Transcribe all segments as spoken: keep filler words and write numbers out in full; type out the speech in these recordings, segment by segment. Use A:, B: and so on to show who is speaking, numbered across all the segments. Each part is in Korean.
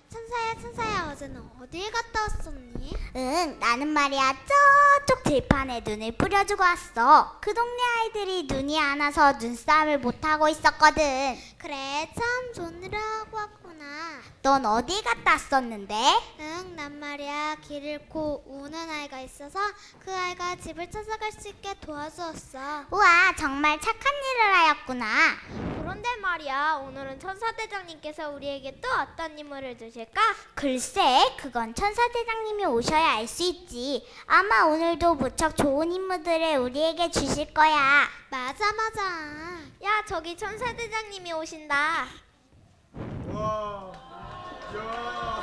A: 천사야 천사야 어제는 어디에 갔다 왔었니?
B: 응, 나는 말이야 저쪽 들판에 눈을 뿌려주고 왔어. 그 동네 아이들이 눈이 안 와서 눈싸움을 못하고 있었거든.
A: 그래 참 좋은 일을 하고 왔구나.
B: 넌 어디 갔다 왔었는데?
A: 응, 난 말이야 길 잃고 우는 아이가 있어서 그 아이가 집을 찾아갈 수 있게 도와주었어.
B: 우와, 정말 착한 일을 하였구나.
C: 그런데 말이야, 오늘은 천사대장님께서 우리에게 또 어떤 임무를 주실까?
B: 글쎄, 그건 천사대장님이 오셔야 알 수 있지. 아마 오늘도 무척 좋은 임무들을 우리에게 주실 거야.
A: 맞아 맞아.
C: 야, 저기 천사대장님이 오신다.
D: 와, 야,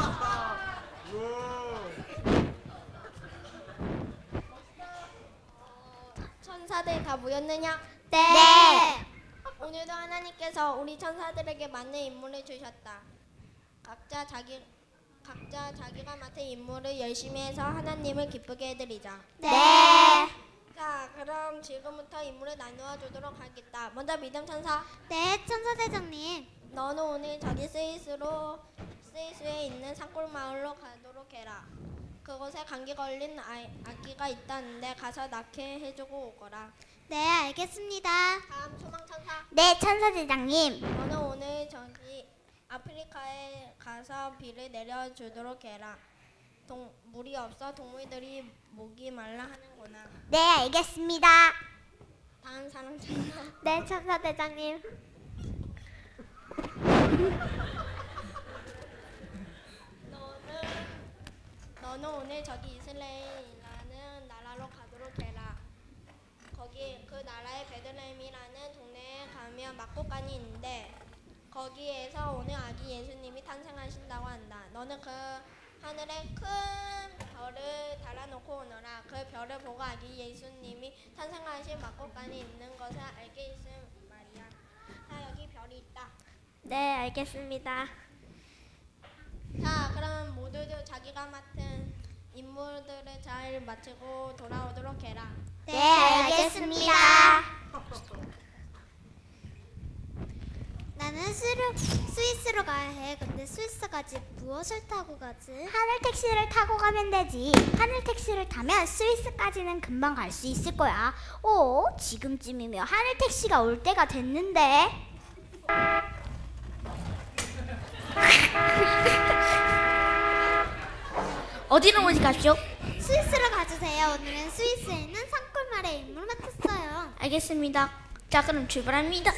C: 천사들 다 모였느냐?
B: 네.
C: 오늘도 하나님께서 우리 천사들에게 맞는 임무를 주셨다. 각자 자기 각자 자기가 맡은 임무를 열심히 해서 하나님을 기쁘게 해드리자.
B: 네.
C: 자, 그럼 지금부터 임무를 나누어 주도록 하겠다. 먼저 믿음 천사.
A: 네 천사대장님.
C: 너는 오늘 저기 스위스로 스위스에 있는 산골 마을로 가도록 해라. 그곳에 감기 걸린 아이, 아기가 있다는데 가서 낳게 해주고 오거라.
A: 네 알겠습니다.
C: 다음 소망 천사.
B: 네, 천사대장님.
C: 너는 오늘 저기 아프리카에 가서 비를 내려주도록 해라. 동, 물이 없어 동물들이 목이 말라 하는구나.
B: 네, 알겠습니다.
C: 다음 사람 천사.
B: 네, 천사대장님.
C: 너는 너는 오늘 저기 이스라엘이라는 나라로 가도록 해라. 거기 그 나라에 베들레헴이라는 동네에 가면 막국간이 있는데 거기에서 오늘 아기 예수님이 탄생하신다고 한다. 너는 그 하늘에 큰 별을 달아놓고 오너라. 그 별을 보고 아기 예수님이 탄생하신 막국간이 있는 것을 알게 있을 말이야. 자, 여기 별이 있다.
B: 네, 알겠습니다.
C: 자, 그럼 모두들 자기가 맡은 임무들을 잘 마치고 돌아오도록 해라.
B: 네, 알겠습니다.
A: 나는 스루, 스위스로 가야 해. 근데 스위스 가지 무엇을 타고 가지?
B: 하늘 택시를 타고 가면 되지. 하늘 택시를 타면 스위스까지는 금방 갈 수 있을 거야. 오, 지금쯤이면 하늘 택시가 올 때가 됐는데. 어디로 오지 갑시오?
A: 스위스로 가주세요. 오늘은 스위스에 있는 산골마을에 임무를 맡았어요.
B: 알겠습니다. 자, 그럼 출발합니다.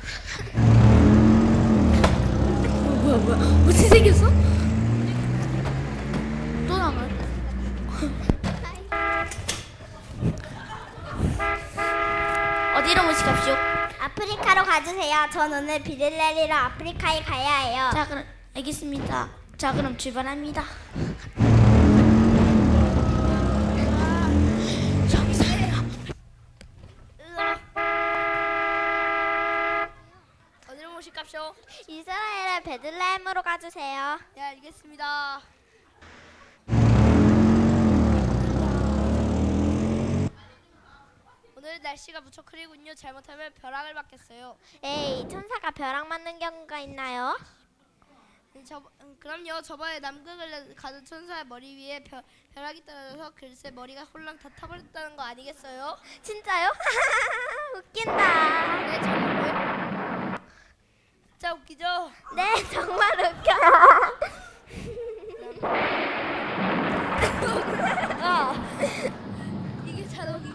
B: 뭐야 뭐야 어떻게 생겼어? 또 나가. 어디로 오시갑시오? 아프리카로 가주세요. 전 오늘 비를 내리러 아프리카에 가야 해요. 자, 그럼 알겠습니다. 자, 그럼 출발합니다.
C: 어디로 모실까요?
B: 이스라엘의 베들레헴으로 가주세요.
C: 네, 알겠습니다. 오늘 날씨가 무척 흐리군요. 잘못하면 벼락을 맞겠어요.
B: 에이, 천사가 벼락 맞는 경우가 있나요?
C: 저, 음, 그럼요. 저번에 남극을 가던 천사의 머리 위에 벼, 벼락이 떨어져서 글쎄 머리가 홀랑 다 타버렸다는 거 아니겠어요?
B: 진짜요? 웃긴다.
C: 네, 정말. 진짜 웃기죠?
B: 네, 정말 웃겨.
C: 아, 이게 자동이.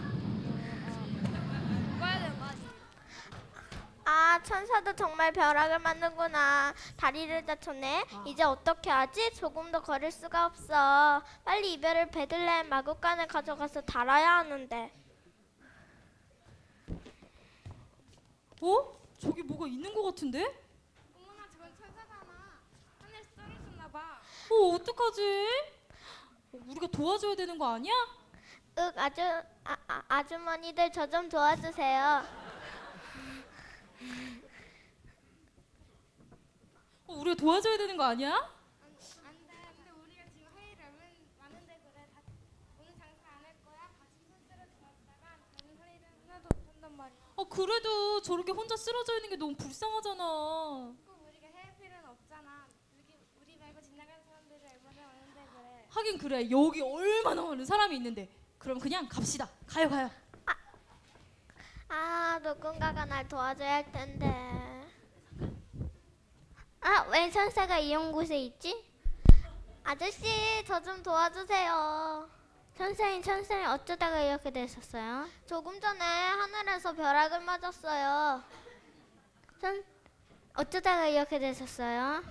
C: 꺼야 되는 거 아니에요?
B: 아, 천사도 정말 벼락을 맞는구나. 다리를 다쳤네. 이제 어떻게 하지? 조금 더 걸을 수가 없어. 빨리 이별을 베들레헴 마구간에 가져가서 달아야 하는데.
E: 어? 저기 뭐가 있는 것 같은데?
C: 어머나, 저건 천사잖아. 하늘에서 떨어졌나 봐.
E: 어, 어떡하지? 어, 우리가 도와줘야 되는 거 아니야?
B: 윽, 아주, 아, 아, 아주머니들 저 좀 도와주세요.
E: 어, 우리가 도와줘야 되는 거 아니야?
C: 안 돼. 근데 우리가 지금 할 일이 많은데 그래. 다, 오늘 장사 안 할 거야? 같이 스스로 도왔다가 나는 할 일은 하나도 못 한단 말이야.
E: 어, 그래도 저렇게 혼자 쓰러져 있는 게 너무 불쌍하잖아.
C: 꼭 우리가 해야 필요는 없잖아. 우리, 우리 말고
E: 하긴 그래. 여기 얼마나 많은 사람이 있는데. 그럼 그냥 갑시다. 가요 가요.
B: 아, 누군가가 날 도와줘야 할 텐데. 아, 왜 천사가 이런 곳에 있지? 아저씨, 저 좀 도와주세요. 천사인 천사인 어쩌다가 이렇게 되셨어요? 조금 전에 하늘에서 벼락을 맞았어요. 천 어쩌다가 이렇게 되셨어요?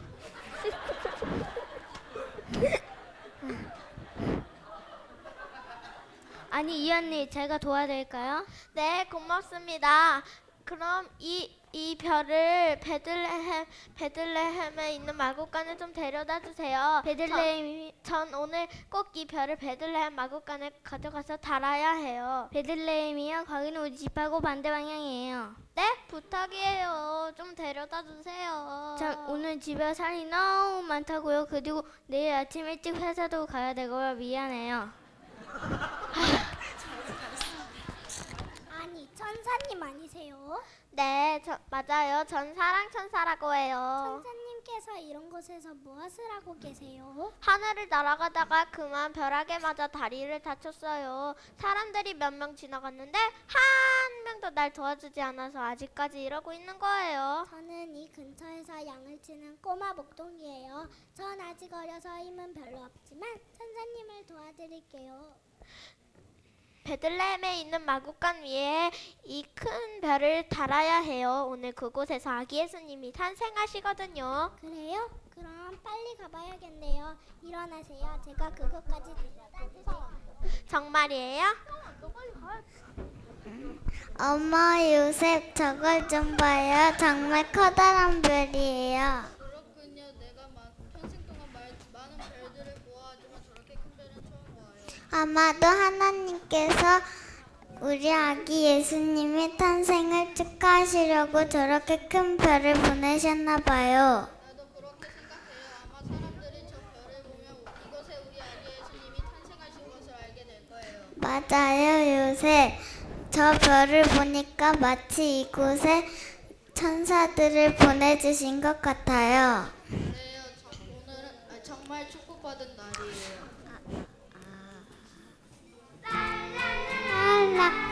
B: 아니 이 언니 제가 도와드릴까요? 네 고맙습니다. 그럼 이, 이 별을 베들레헴, 베들레헴에 있는 마구간에 좀 데려다 주세요. 베들레헴이 전 오늘 꼭 이 별을 베들레헴 마구간에 가져가서 달아야 해요. 베들레헴이요? 거기는 우리 집하고 반대 방향이에요. 네? 부탁이에요. 좀 데려다 주세요. 전 오늘 집에 살이 너무 많다고요. 그리고 내일 아침 일찍 회사도 가야 되고요. 미안해요.
A: 아니, 천사님 아니세요?
B: 네, 저, 맞아요. 전 사랑천사라고 해요.
A: 천사님께서 이런 곳에서 무엇을 하고 계세요?
B: 하늘을 날아가다가 그만 벼락에 맞아 다리를 다쳤어요. 사람들이 몇 명 지나갔는데 한 명도 날 도와주지 않아서 아직까지 이러고 있는 거예요.
A: 저는 이 근처에서 양을 치는 꼬마 목동이에요. 전 아직 어려서 힘은 별로 없지만 천사님을 도와드릴게요.
B: 베들레헴에 있는 마구간 위에 이 큰 별을 달아야 해요. 오늘 그곳에서 아기 예수님이 탄생하시거든요.
A: 그래요? 그럼 빨리 가봐야겠네요. 일어나세요. 제가 그것까지 데려다 주세요.
B: 정말이에요?
A: 엄마, 요셉 저걸 좀 봐요. 정말 커다란 별이에요.
C: 그렇군요. 내가 마, 평생 동안 말, 많은 별들을 보아하지만 저렇게 큰 별은 처음 봐요.
A: 아마도 하나님께서 우리 아기 예수님의 탄생을 축하하시려고 저렇게 큰 별을 보내셨나 봐요.
C: 나도 그렇게 생각해요. 아마 사람들이 저 별을 보면 이곳에 우리 아기 예수님이 탄생하신 것을 알게 될 거예요.
A: 맞아요, 요셉. 저 별을 보니까 마치 이곳에 천사들을 보내주신 것 같아요.
C: 네, 저, 오늘은 아, 정말 축복받은 날이에요.
A: 랄라